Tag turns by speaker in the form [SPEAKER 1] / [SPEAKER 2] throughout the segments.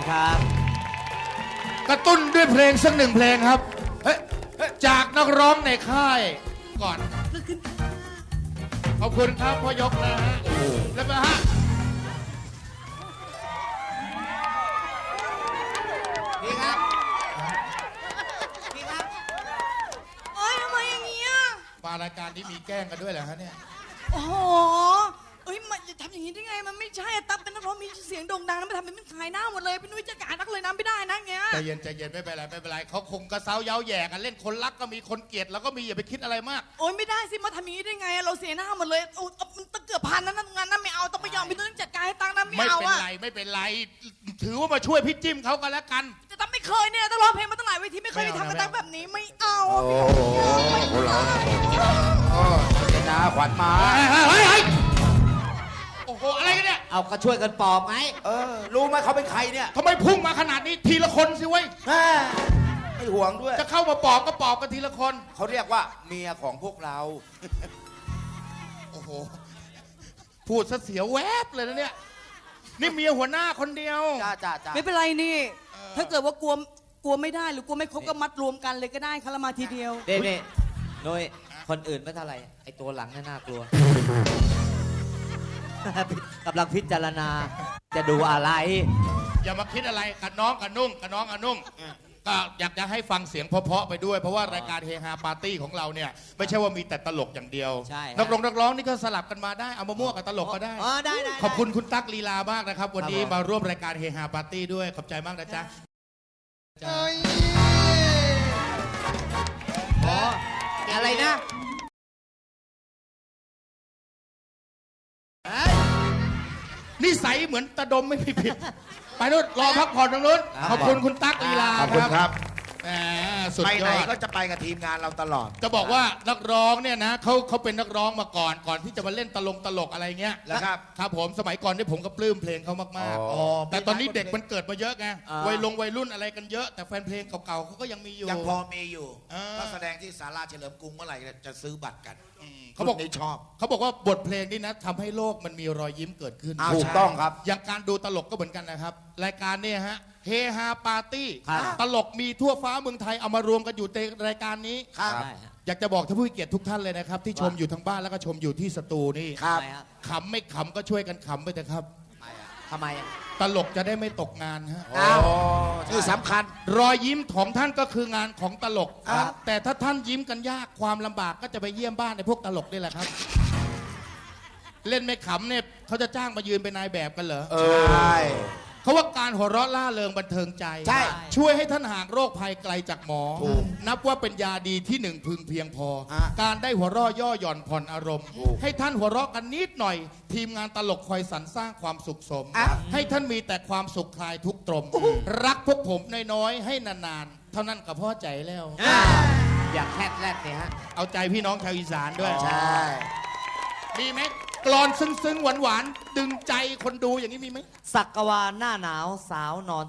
[SPEAKER 1] ครับ
[SPEAKER 2] กระตุ้นด้วยเพลงสักหนึ่งเพลงครับจากนักร้องในค่ายก่อนขอบคุณครับพ่อยกนะฮะแล้วมาฮะ
[SPEAKER 3] พี่ครับพี่ครับ
[SPEAKER 4] เอ้ยทำไมอย่างเงี้ย
[SPEAKER 2] มารายการนี้มีแกล้งกันด้วยเหรอฮะเนี่ย
[SPEAKER 4] โอ้โหเอ้ยมันจะทำอย่างนี้ได้ไงมันไม่ใช่ตั๊บเป็นนักร้องมีเสียงโด่งดังแล้วมาทำเป็นขายหน้าหมดเลยพี่นุ้ยจะการนักเลยนะไม่ได้นะเงี้ย
[SPEAKER 2] ใจเย็นใจเย็นไม่เป็นไรไม่เป็นไรเขาคงกระเซ้าเย้าแย่กันเล่นคนรักก็มีคนเกลียดแล้วก็มีอย่าไปคิดอะไรมาก
[SPEAKER 4] โอ้ยไม่ได้สิมาทำอย่างนี้ได้ไงเราเสียหน้าหมดเลยโอ้มันตั้งเกือบพันนั้นงานนั้นไม่เอาต้องไปยอมพี่นุ้ยต้องจัดการให้ตังค์นะไม่เอาอะ
[SPEAKER 2] ไม่เป็นไรถือว่ามาช่วยพี่จิ้มเขากันแล้วกัน
[SPEAKER 4] แต่ตั๊บไม่เคยเนี่ยต้องร้องเพลงมาตั้งหลายเวทีไม่เคยมีทำกับตั๊บแบบนี้ไม่เอา
[SPEAKER 3] โอ้โหเราเจนาขวัญมา
[SPEAKER 2] โอ้โหอะไรกันเนี่ย
[SPEAKER 1] เอาก็ช่วยกันปอบไง
[SPEAKER 3] รู้ไหมเขาเป็นใครเนี่ย
[SPEAKER 2] ทำไมพุ่งมาขนาดนี้ทีละคนสิเว้ย
[SPEAKER 3] ไม่ห่วงด้วย
[SPEAKER 2] จะเข้ามาปอบก็ปอบกันทีละคน
[SPEAKER 3] เขาเรียกว่าเมียของพวกเรา
[SPEAKER 2] โอ้โหพูดซะเสียวแวบเลยนะเนี่ยนี่เมียหัวหน้าคนเดียว
[SPEAKER 3] จ้า
[SPEAKER 4] ไม่เป็นไรนี่ถ้าเกิดว่ากลัวไม่ได้หรือกลัวไม่ครบก็มัดรวมกันเลยก็ได้คารามาทีเดียว
[SPEAKER 1] เด่นี่นุ้ยคนอื่นไม่เท่าไหร่ไอตัวหลังน่ากลัวกำลังพิจารณาจะดูอะไร
[SPEAKER 2] อย่ามาคิดอะไรกับน้องกับนุ่งกับน้องกับนุ่งก็อยากจะให้ฟังเสียงเพราะๆไปด้วยเพราะว่ารายการเฮฮาปาร์ตี้ของเราเนี่ยไม่ใช่ว่ามีแต่ตลกอย่างเดียวนักร้องนี่ก็สลับกันมาได้เอามามั่วกับตลกก็ได้ขอบคุณคุณตั๊กลีลามากนะครับวันนี้มาร่วมรายการเฮฮาปาร์ตี้ด้วยขอบใจมากนะจ๊ะ
[SPEAKER 1] อะไรนะ
[SPEAKER 2] นิสัยเหมือนตะดมไม่ผิดไปนู้นรอพักผ่อนตรงนู้นขอบคุณคุณตั๊กลีลาครับสุดยอดไปไหน
[SPEAKER 3] ก็จะไปกับทีมงานเราตลอด
[SPEAKER 2] จะบอกว่านักร้องเนี่ยนะเขาเป็นนักร้องมาก่อนที่จะมาเล่นตลกอะไรเงี้ย
[SPEAKER 3] แล้ว
[SPEAKER 2] ครับผมสมัยก่อนที่ผมก็ปลื้มเพลงเขามากๆแต่ตอนนี้เด็กมันเกิดมาเยอะไงวัยรุ่นอะไรกันเยอะแต่แฟนเพลงเก่าๆเขาก็ยังมีอยู่
[SPEAKER 3] ยังพอมีอยู่ก็แสดงที่ศาลาเฉลิมกรุงเมื่อไหร่จะซื้อบัตรกัน
[SPEAKER 2] เขาบอก
[SPEAKER 3] ชอบ
[SPEAKER 2] เขาบอกว่าบทเพลงนี้นะทำให้โลกมันมีรอยยิ้มเกิดขึ้น
[SPEAKER 3] ถูกต้องครับ
[SPEAKER 2] อย่างการดูตลกก็เหมือนกันนะครับรายการเนี่ยฮะเฮฮาปาร์ตี้ตลกมีทั่วฟ้าเมืองไทยเอามารวมกันอยู่ในรายการนี้อยากจะบอกท่านผู้เกียรติทุกท่านเลยนะครับที่ชมอยู่ทางบ้านแล้วก็ชมอยู่ที่สตูนี่ขำไม่ขำก็ช่วยกันขำไปเถอะครับ
[SPEAKER 1] ทำไม
[SPEAKER 2] ตลกจะได้ไม่ตกงานฮะ
[SPEAKER 3] ที่สำคัญ
[SPEAKER 2] รอยยิ้มของท่านก็คืองานของตลกแต่ถ้าท่านยิ้มกันยากความลำบากก็จะไปเยี่ยมบ้านในพวกตลกนี่แหละครับเล่นไม่ขำเนี่ยเขาจะจ้างมายืนเป็นนายแบบกันเหรอ
[SPEAKER 3] ใช่
[SPEAKER 2] เขาว่าการหัวเราะล่าเริงบันเทิงใจช่วยให้ท่านห่างโรคภัยไกลจากหมอนับว่าเป็นยาดีที่หนึ่งพึงเพียงพอการได้หัวเราะย่อหย่อนผ่อนอารมณ์ให้ท่านหัวเราะกันนิดหน่อยทีมงานตลกคอยสรรสร้างความสุขสมให้ท่านมีแต่ความสุขคลายทุกตรมรักพวกผมน้อยๆให้นานๆเท่านั้นก็พอใจแล้ว
[SPEAKER 1] อยากแคบแรกเนี่ยฮะ
[SPEAKER 2] เอาใจพี่น้องชาวอีสานด้วย
[SPEAKER 3] ใช่
[SPEAKER 2] มีไหมกลอนซึ้งหวานดึงใจคนดูอย่างนี้มีไหม
[SPEAKER 1] สักกวาหน้าหนาวสาวนอน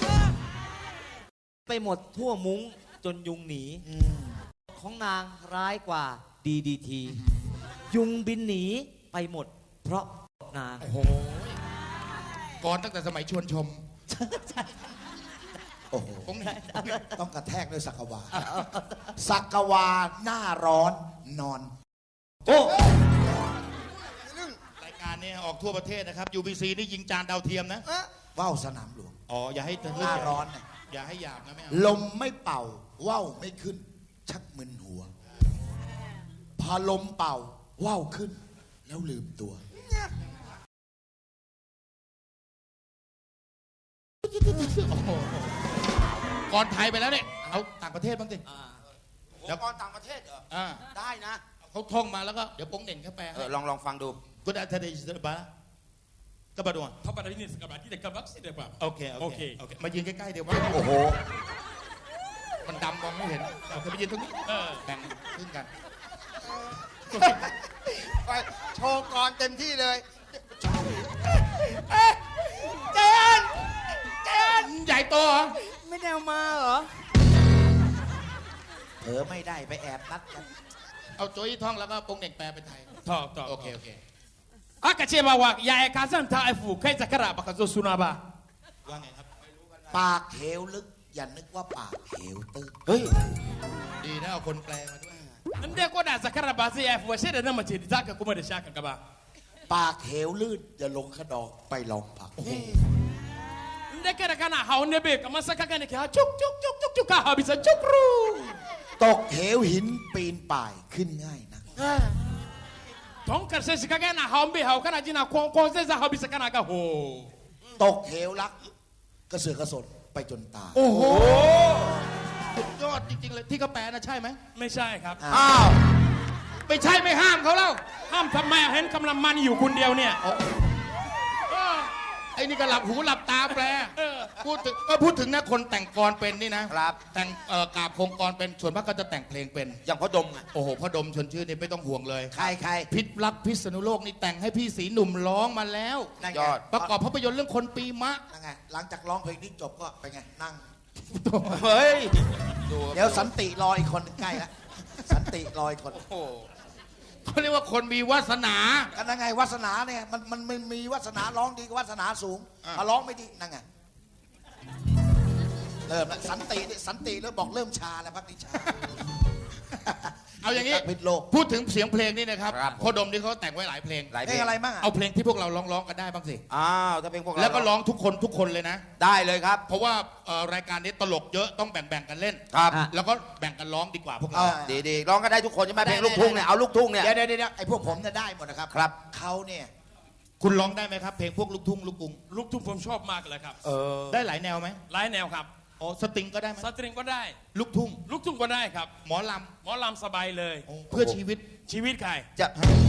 [SPEAKER 1] ไปหมดทั่วมุ้งจนยุงหนีของนางร้ายกว่าDDTยุงบินหนีไปหมดเพราะนาง
[SPEAKER 2] โอ้โหก่อนตั้งแต่สมัยชวนชม
[SPEAKER 3] โอ้โหต้องกระแทกด้วยสักกวาสักกวาหน้าร้อนนอนโอ้
[SPEAKER 2] การนี้ออกทั่วประเทศนะครับ UBC นี่ยิงจานดาวเทียมนะ
[SPEAKER 3] ว่าวสนามหลวง
[SPEAKER 2] อย่าให้
[SPEAKER 3] หน้าร้อนนะ
[SPEAKER 2] อย่าให้หยาบนะแม่
[SPEAKER 3] ลมไม่เป่าว่าวไม่ขึ้นชักมึนหัวพอลมเป่าว่าวขึ้นแล้วลืมตัว
[SPEAKER 2] ก่อนไทยไปแล้วเนี่ยเอาต่างประเทศบ้างสิ
[SPEAKER 3] แล้วก่อนต่างประเทศเหรอได้นะ
[SPEAKER 2] เขาท่องมาแล้วก็เดี๋ยวโป้งเด่นเข้าไป
[SPEAKER 3] ลองฟังดู
[SPEAKER 2] ก็ได้ทะเลสบายก็มาดู
[SPEAKER 5] เขาไปที่นี่สกัดที่เด็กกำลังสิเด็กแบบ
[SPEAKER 2] โอเคมายืนใกล้ๆเดี๋ยวว่า
[SPEAKER 3] โอ้โห
[SPEAKER 2] มันดำมองไม่เห็นโอเคไปยืนตรงนี้แบ่งขึ้นกัน
[SPEAKER 3] โชว์ก่อนเต็มที่เลย
[SPEAKER 2] เจนใหญ่โตเหรอ
[SPEAKER 4] ไม่ได้เอามาเหรอ
[SPEAKER 3] ไม่ได้ไปแอบนัดกัน
[SPEAKER 2] เอาโจ้ยท่องแล้วก็โป้งเด่นแปลเป็นไทย
[SPEAKER 5] ท่อง
[SPEAKER 2] โอเค
[SPEAKER 5] Aka ce ba wa yaya ka zan ta aifu kai zakara baka zo suna ba.
[SPEAKER 2] ว่าไงครับ
[SPEAKER 3] ปากเหวลึก อย่านึกว่าปากเหวตื้น
[SPEAKER 1] เฮ้ย
[SPEAKER 2] ดีนะเอาคนแปลมาด้วย
[SPEAKER 5] Ande ko da zakara basi ya fwa shede na mace zaka kuma da shaka gaba.
[SPEAKER 3] ปากเหวลื่นอย่าลงขนองไปลองผัก
[SPEAKER 5] Ande kada kana haunde be kamar saka kana ki ha chuk chuk chuk chuk chuk ka ha bisa chukru.
[SPEAKER 3] ตกเหวหินปีนป่ายขึ้นง่ายนะ
[SPEAKER 5] Ton karshe shi kaga na haumbe hau kana jina kon sai za ha bisa kana ga ho.
[SPEAKER 3] ตกเหวรักกระเสือกกระสนไปจนตาย
[SPEAKER 2] โอ้โหสุดยอดจริงๆเลยที่เขาแปลนะใช่ไหม
[SPEAKER 5] ไม่ใช่ครับ
[SPEAKER 1] อ้าว
[SPEAKER 2] ไม่ใช่ไม่ห้ามเขาเล่า
[SPEAKER 5] ห้ามทำไมเห็นกำลังมันอยู่คนเดียวเนี่ย
[SPEAKER 2] ไอ้นี่ก็หลับหูหลับตาแปลพูดถึงนะคนแต่งกลอนเป็นนี่นะครับ แต่งกาบโครงกลอนเป็นส่วนมากก็จะแต่งเพลงเป็น
[SPEAKER 1] อย่างพ่อดมอ่ะ
[SPEAKER 2] โอ้โหพ่อดมชวนชื่นนี่ไม่ต้องห่วงเลย
[SPEAKER 3] ใครใคร
[SPEAKER 2] พิษรักพิษณุโลกนี่แต่งให้พี่สีหนุ่มร้องมาแล้ว
[SPEAKER 3] นั่งไง
[SPEAKER 1] ยอด
[SPEAKER 2] ประกอบภาพยนตร์เรื่องคนปีมะ
[SPEAKER 3] นั่งไงหลังจากร้องเพลงนี้จบก็ไปไงนั่ง
[SPEAKER 1] เฮ้ย
[SPEAKER 3] เดี๋ยวสันติรออีกคนหนึ่งใกล้แล้วสันติรออีกคน
[SPEAKER 2] เขาเรียกว่าคนมีวาสนา
[SPEAKER 3] กันนั่งไงวาสนาเนี่ยมันมีวาสนาร้องดีกว่าวาสนาสูง
[SPEAKER 2] อ่ะ
[SPEAKER 3] มาร้องไม่ดีนั่งไงเริ่มแล้วสันติเนี่ยสันติแล้วบอกเริ่มชาแล้วพักนี้ชา
[SPEAKER 2] เอาอย่างนี้
[SPEAKER 3] พิษโลก
[SPEAKER 2] พูดถึงเสียงเพลงนี่นะครับ
[SPEAKER 1] ครับ
[SPEAKER 2] พ่อดมนี่เขาแต่งไว้หลายเพลง
[SPEAKER 1] หลาย
[SPEAKER 3] เพ
[SPEAKER 1] เพ
[SPEAKER 3] ล
[SPEAKER 1] ล
[SPEAKER 3] ง
[SPEAKER 1] ง
[SPEAKER 3] อะไรบ้างอ่ะ
[SPEAKER 2] เอาเพลงที่พวกเราร้องกันได้บ้างสิ
[SPEAKER 1] อ้าวถ้าเป็นพวกเรา
[SPEAKER 2] แล้วก็ร้องทุกคนเลยนะ
[SPEAKER 1] ได้เลยครับ
[SPEAKER 2] เพราะว่ารายการนี้ตลกเยอะต้องแบ่งกันเล่น
[SPEAKER 1] ครับ
[SPEAKER 2] แล้วก็แบ่งกันร้องดีกว่าพวกเรา
[SPEAKER 1] ดีๆร้องก็ได้ทุกคนใช่ไหมเพลงลูกทุ่งเนี่ยเอาลูกทุ่งเนี่ย
[SPEAKER 3] เดี๋ยวไอ้พวกผมเนี่ยได้หมดนะครับ
[SPEAKER 1] ครับ
[SPEAKER 3] เขาเนี่ย
[SPEAKER 2] คุณร้องได้ไหมครับ เพลงพวกลูกทุ่งลูกกรุง
[SPEAKER 5] ลูกทุ่งผมชอบมากเลยครับ
[SPEAKER 2] ได้หลายแนวไหม
[SPEAKER 5] หลายแนวครับ
[SPEAKER 2] อ๋อสตริงก็ได้ไหม
[SPEAKER 5] สตริงก็ได้
[SPEAKER 2] ลูกทุ่ง
[SPEAKER 5] ลูกทุ่งก็ได้ครับ
[SPEAKER 2] หมอล
[SPEAKER 5] หมอลำสบายเลย
[SPEAKER 2] ำเพื่อชีวิต
[SPEAKER 5] ชีวิตใคร
[SPEAKER 1] จะ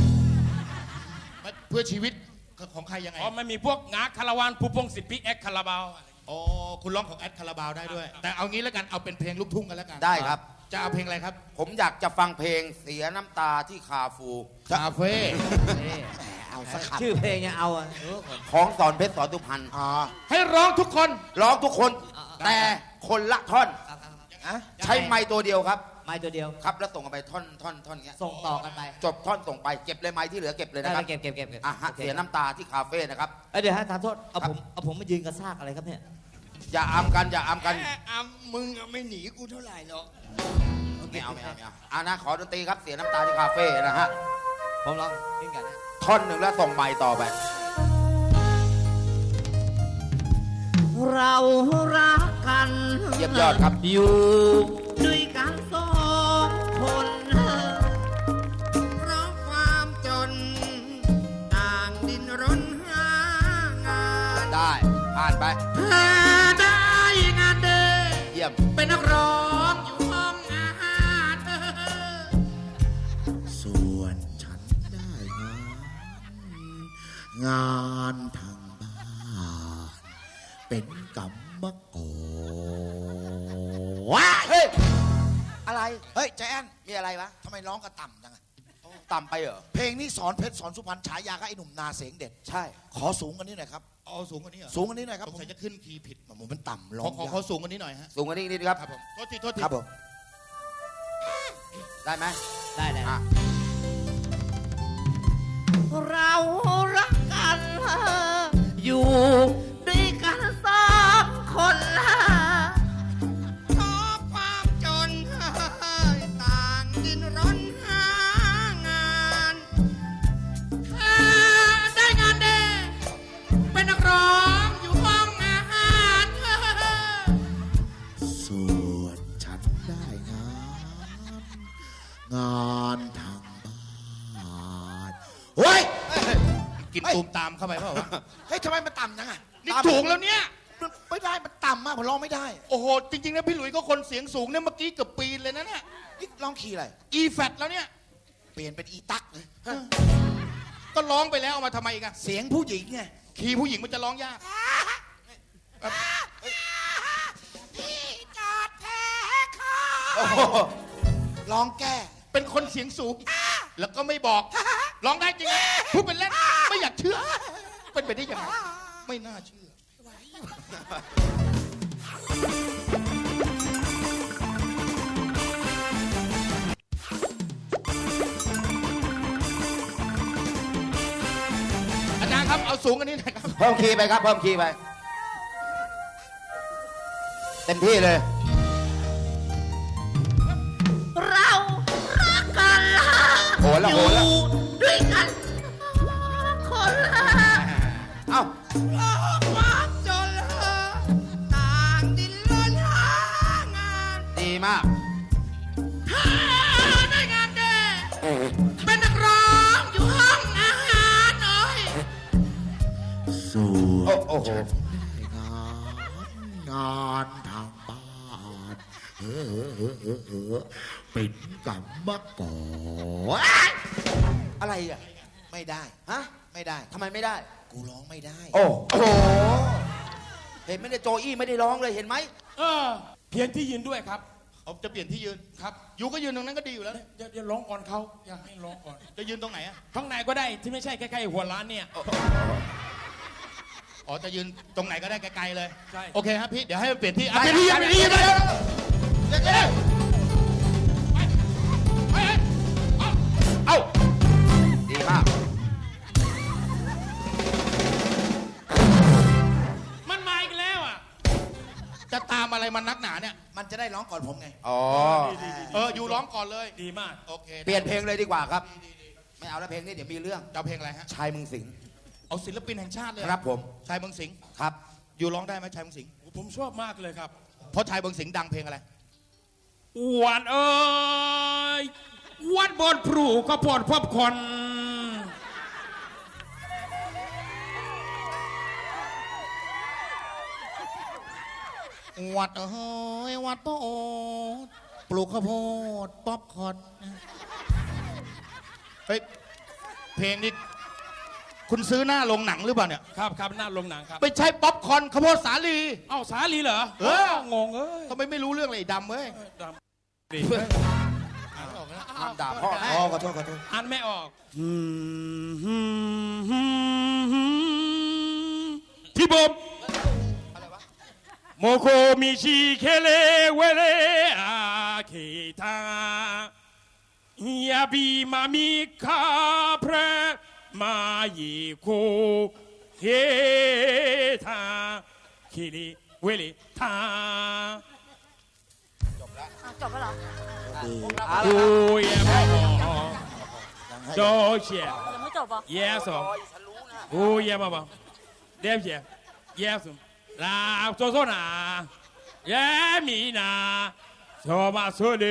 [SPEAKER 2] เพื่อชีวิตของใครยังไง
[SPEAKER 5] อ๋อไม่มีพวกงาคาราวานผู้พงศิษย์พิกเอ็กคาราบาวอะไร
[SPEAKER 2] อ๋อคุณร้องของแอดคาราบาวได้ด้วย แต่เอางี้แล้วกันเอาเป็นเพลงลูกทุ่งกันแล้วกัน
[SPEAKER 1] ได้ครับ
[SPEAKER 2] จะเอาเพลงอะไรครับ
[SPEAKER 1] ผมอยากจะฟังเพลงเสียน้ำตาที่คาฟู
[SPEAKER 2] คาเฟ่
[SPEAKER 3] เอาสักขับ
[SPEAKER 1] ชื่อเพลงเนี่ยเอาของสอนเพชรสอนตุพันธ์
[SPEAKER 3] อ๋อ
[SPEAKER 2] ให้ร้องทุกคน
[SPEAKER 1] ร้องทุกคน แต่คนละท่อน
[SPEAKER 3] อะ
[SPEAKER 1] ใช้ไม้ตัวเดียวครับ
[SPEAKER 6] ไม้ตัวเดียว
[SPEAKER 1] ครับแล้วส่งกันไปท่อนเงี้ย
[SPEAKER 6] ส่งต่อกันไป
[SPEAKER 1] จบท่อนส่งไปเก็บเลยไม้ที่เหลือเก็บเลย
[SPEAKER 6] ได้
[SPEAKER 1] นะครับ
[SPEAKER 6] เก็บ
[SPEAKER 1] อ่ะฮะ
[SPEAKER 6] โอค
[SPEAKER 1] เสียน้ำตาที่คาเฟ่นะครับ
[SPEAKER 6] เอ้ยเดี๋ยวฮะทานโทษ เอา
[SPEAKER 1] ครับ
[SPEAKER 6] ผมมายืนกระซากอะไรครับเนี่ย
[SPEAKER 1] อย่าอำกันอย่าอำกัน
[SPEAKER 3] มึงไม่หนีกูเท่าไหร่หรอก
[SPEAKER 1] ไม่เอาอ่ะนะขอดนตรีครับเสียน้ำตาที่คาเฟ่นะฮะ
[SPEAKER 6] ผมลองขึ้นกันนะ
[SPEAKER 1] ท่อนหนึ่งแล้วส่งไม้ต่อไป
[SPEAKER 6] เรารักกัน
[SPEAKER 1] เยี่ยมยอดครับ
[SPEAKER 6] อยู่ด้วยกันสองคนเพราะความจน ต่างดินรนหางาน
[SPEAKER 1] ได้ผ่านไป
[SPEAKER 6] เธอได้งานเดิน
[SPEAKER 1] เยี่ยม
[SPEAKER 6] เป็นนักร้องอยู่ห้องอาหาร
[SPEAKER 3] ส่วนฉันได้งานทางบ้านเป็นกรรมกรว้าเฮ้ยอะไรเฮ้ยใจแอนมีอะไรวะทำไมร้องกระต่ำจังอะ
[SPEAKER 1] ต่ำไปเหรอ
[SPEAKER 3] เพลงนี้สอนเพชรสอนสุพรรณฉายาก็ไอ้หนุ่มนาเสียงเด็ด
[SPEAKER 1] ใช่
[SPEAKER 3] ขอสูงกว่านี้หน่อยครับ
[SPEAKER 2] เอาสูงกว่านี้เหรอ
[SPEAKER 3] สูงกว่านี้หน่อยครับ
[SPEAKER 2] สงสัยจะขึ้นคีย์ผิด
[SPEAKER 3] ผมมันต่ำร้
[SPEAKER 2] ข
[SPEAKER 3] อ
[SPEAKER 2] อง
[SPEAKER 3] ยาก
[SPEAKER 2] เขาสูงกว่านี้หน่อยฮะ
[SPEAKER 1] สูงกว่านี้นิดครับ
[SPEAKER 2] ครับผมโทษทีโทษที
[SPEAKER 3] ครับผม
[SPEAKER 1] ได้ไหม
[SPEAKER 6] ได้
[SPEAKER 1] อ่ะ
[SPEAKER 6] เรารักกัน อยู่ด้วยกันสองคนเพราะความจน ต่างดินรนหางานเธอได้งานเด่นเป็นนักร้องอยู่ห้องอาหาร
[SPEAKER 3] ส่วนฉันได้งานทางบ้านเฮ้ย
[SPEAKER 2] กินตูมตามเข้าไปเปล่าวะ
[SPEAKER 3] เฮ้ยทำไมมันต่ำจังอะ
[SPEAKER 2] นี่สูงแล้วเนี่ย
[SPEAKER 3] มันไม่ได้มันต่ำมากผมร้องไม่ได้
[SPEAKER 2] โอ้โห จริงๆนะพี่หลุยส์ก็คนเสียงสูงเนี่ยเมื่อกี้เกือบปีนเลยนะเนี่ย
[SPEAKER 3] นี่ร้องคีย์อะไร
[SPEAKER 2] อีแฟตแล้วเนี่ย
[SPEAKER 3] เปลี่ยนเป็นอีตักเลย
[SPEAKER 2] ก็ร้องไปแล้วเอามาทำไมอีกัน
[SPEAKER 3] เสียงผู้หญิงไง
[SPEAKER 2] คีย์ผู้หญิงมันจะร้องยาก
[SPEAKER 1] โอ้โห
[SPEAKER 3] ร้องแก้
[SPEAKER 2] เป็นคนเสียงสูง แล้วก็ไม่บอกร้องได้จริงนะพูดเป็นเล่นไม่อยากเชื่อ เป็นไปได้ยังไงไม่น่าเชื่อ อาจารย์ครับเอาสูงกันนี้หน่อยครับ
[SPEAKER 1] เพิ่มคีย์ไปครับเพิ่มคีย์ไป
[SPEAKER 7] ต็มที่เลย
[SPEAKER 6] เรารักกันละ
[SPEAKER 7] โหนละ
[SPEAKER 6] อ
[SPEAKER 7] โห
[SPEAKER 6] ยู่
[SPEAKER 7] นละ
[SPEAKER 6] ด้วยกันคนละ
[SPEAKER 7] เอ้า
[SPEAKER 6] โลกความจนละต่างดินรนหางาน
[SPEAKER 7] ดีมาก
[SPEAKER 6] ถ้าได้งานเด้เป็นนักร้องอยู่ห้องอาหารหน่อย
[SPEAKER 3] สู่
[SPEAKER 7] โอ้โห
[SPEAKER 3] งานทางบ้านเป็นกรรมกร
[SPEAKER 7] อะไรอ่ะ
[SPEAKER 3] ไม่ได้
[SPEAKER 7] ฮะ
[SPEAKER 3] ไม่ได้
[SPEAKER 7] ทำไมไม่ได้
[SPEAKER 3] กูร้องไม่ได้
[SPEAKER 7] โอ้โห เห็นไหมเนี่ยโจอี้ไม่ได้ร้องเลยเห็นไหม
[SPEAKER 5] เพียงที่ยืนด้วยครับ
[SPEAKER 2] ผมจะเปลี่ยนที่ยืน
[SPEAKER 5] ครับ
[SPEAKER 2] อยู่ก็ยืนตรงนั้นก็ดีอยู่แล้ว
[SPEAKER 5] เดี๋ยวร้องก่อนเขาอยากให้ร้องก่อน
[SPEAKER 2] จะยืนตรงไหนอะ
[SPEAKER 5] ข้างในก็ได้ที่ไม่ใช่ใกล้ๆหัวร้านเนี่ย
[SPEAKER 2] อ๋อ จะยืนตรงไหนก็ได้ไกลๆเลย
[SPEAKER 5] ใช่
[SPEAKER 2] โอเคครับพี่ เดี๋ยวให้มันเปลี่ยนที่
[SPEAKER 7] ได้
[SPEAKER 2] เปลี่ยนที่ยืนเปลี่ยนที่ยืนเลย
[SPEAKER 7] เอ้า ดีมาก
[SPEAKER 5] มันมาอีกแล้วอ่ะ
[SPEAKER 2] จะตามอะไรมันนักหนาเนี่ย
[SPEAKER 3] มันจะได้ร้องก่อนผมไง
[SPEAKER 7] อ๋อ
[SPEAKER 2] อยู่ร้องก่อนเลย
[SPEAKER 5] ดีมาก
[SPEAKER 2] โอเค
[SPEAKER 7] เปลี่ยนเพลงเลยดีกว่าครับ ไม่เอาแล้วเพลงนี้เดี๋ยวมีเรื่อง
[SPEAKER 2] จะเอาเพลงอะไรฮะ
[SPEAKER 7] ชายเมึงสิงห์
[SPEAKER 2] เอาศิลปินแห่งชาติเลย
[SPEAKER 7] ครับผม
[SPEAKER 2] ชายเมืองสิงห์
[SPEAKER 7] ครับ
[SPEAKER 2] อยู่ร้องได้ไหมชายเมืองสิงห์
[SPEAKER 5] ผมชอบมากเลยครับ
[SPEAKER 2] เพราะชายเมืองสิงห์ดังเพลงอะไร
[SPEAKER 5] หวานเอ้ยวัดบนพลูก็ปวดพบคน
[SPEAKER 2] วัดเฮ้ยวัดโปอดปลูกข้าวโพดป๊อปคอร์นเฮ้ยเพลงนี้คุณซื้อหน้าโรงหนังหรือเปล่าเนี่ย
[SPEAKER 5] ครับครับหน้าโรงหนังครับ
[SPEAKER 2] ไม่ใช่ป๊อปคอร์นข้าวโพดสาลี
[SPEAKER 5] เอ้าสาลีเหรอ
[SPEAKER 2] เออ
[SPEAKER 5] งงเอ้ย
[SPEAKER 2] ทำไมไม่รู้เรื่องเลยไอ้ดำเว้ย
[SPEAKER 5] ดำดี
[SPEAKER 7] ห้ามด่าพ่ออ๋อขอโทษขอโทษ
[SPEAKER 5] อ่านไม่ออกที่บมโมโคมิชิเคเลเวเลอาเคทายาบีมามิคาเพรมาเยโคเฮทาคิริเวเลทา
[SPEAKER 8] จบแล้วเหรอ
[SPEAKER 5] โอ้ยมาบอกโจเชีย
[SPEAKER 8] ยังไม่จบเหรอ
[SPEAKER 5] yes โอ้ยมาบอกเดี๋ยวเชีย yes ลาโซโซนาเยมีนาโซมาโซเล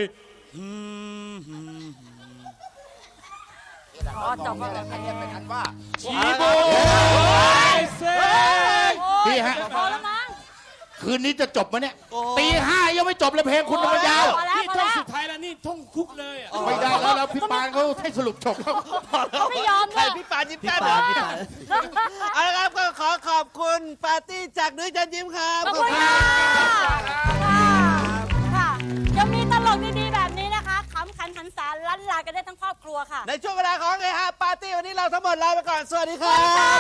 [SPEAKER 8] อ๋อจบแล้วเหรอ
[SPEAKER 7] เป็นอันว่า
[SPEAKER 5] ชีโบเซ
[SPEAKER 2] พี่ฮะ
[SPEAKER 8] พอแล้วมั้ง
[SPEAKER 2] คืนนี้จะจบไหมเนี่ยตีห้ายังไม่จบเลยเพลงคุณมันยาว
[SPEAKER 8] พอแล้ว
[SPEAKER 5] นี่
[SPEAKER 8] พอ
[SPEAKER 5] ท่อง
[SPEAKER 8] แล้ว
[SPEAKER 5] สุดท้ายแล้วนี่ท่องคุกเลยอ่ะ
[SPEAKER 2] ไม่ได้แล้วพี่ปานเขาให้สรุปจบแล้ว
[SPEAKER 8] เขาไม่ยอมเลย
[SPEAKER 6] พี่ปานยิ้ม
[SPEAKER 1] พี่
[SPEAKER 6] แป้น
[SPEAKER 1] ปานพี่ปาน
[SPEAKER 6] เอาละครับก็ขอขอบคุณปาร์ตี้จากนุ้ยจันยิ้มครับ
[SPEAKER 8] ขอบคุณค่ะค่ะยังมีตลกดีๆแบบนี้นะคะขำขันหันษาลั่นลากันได้ทั้งครอบครัวค่ะ
[SPEAKER 6] ในช่วงเวลาของไงฮะปาร์ตี้วันนี้เราทั้งหมดลาไปก่อนสวัสดีค
[SPEAKER 8] สวั
[SPEAKER 6] รั
[SPEAKER 8] สดีค่ะ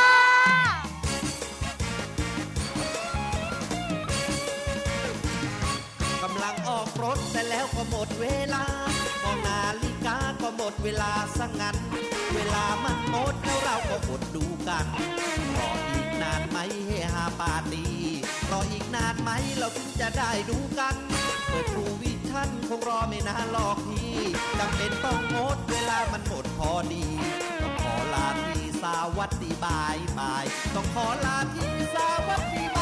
[SPEAKER 6] บ
[SPEAKER 9] กำลังออกรถแต่แล้วก็หมดเวลามองนาฬิกาก็หมดเวลาสังงั้น เวลามันหมดแล้วเราก็อดดูกันรออีกนานไหมเฮฮาปาร์ตี้รออีกนานไหมเราถึงจะได้ดูกันเปิดทูวิชั่นคงรอไม่นานหรอกพี่จำเป็นต้องงดเวลามันหมดพอดีต้องขอลาที่สวัสดีบายบายต้องขอลาที่สวัสดีบ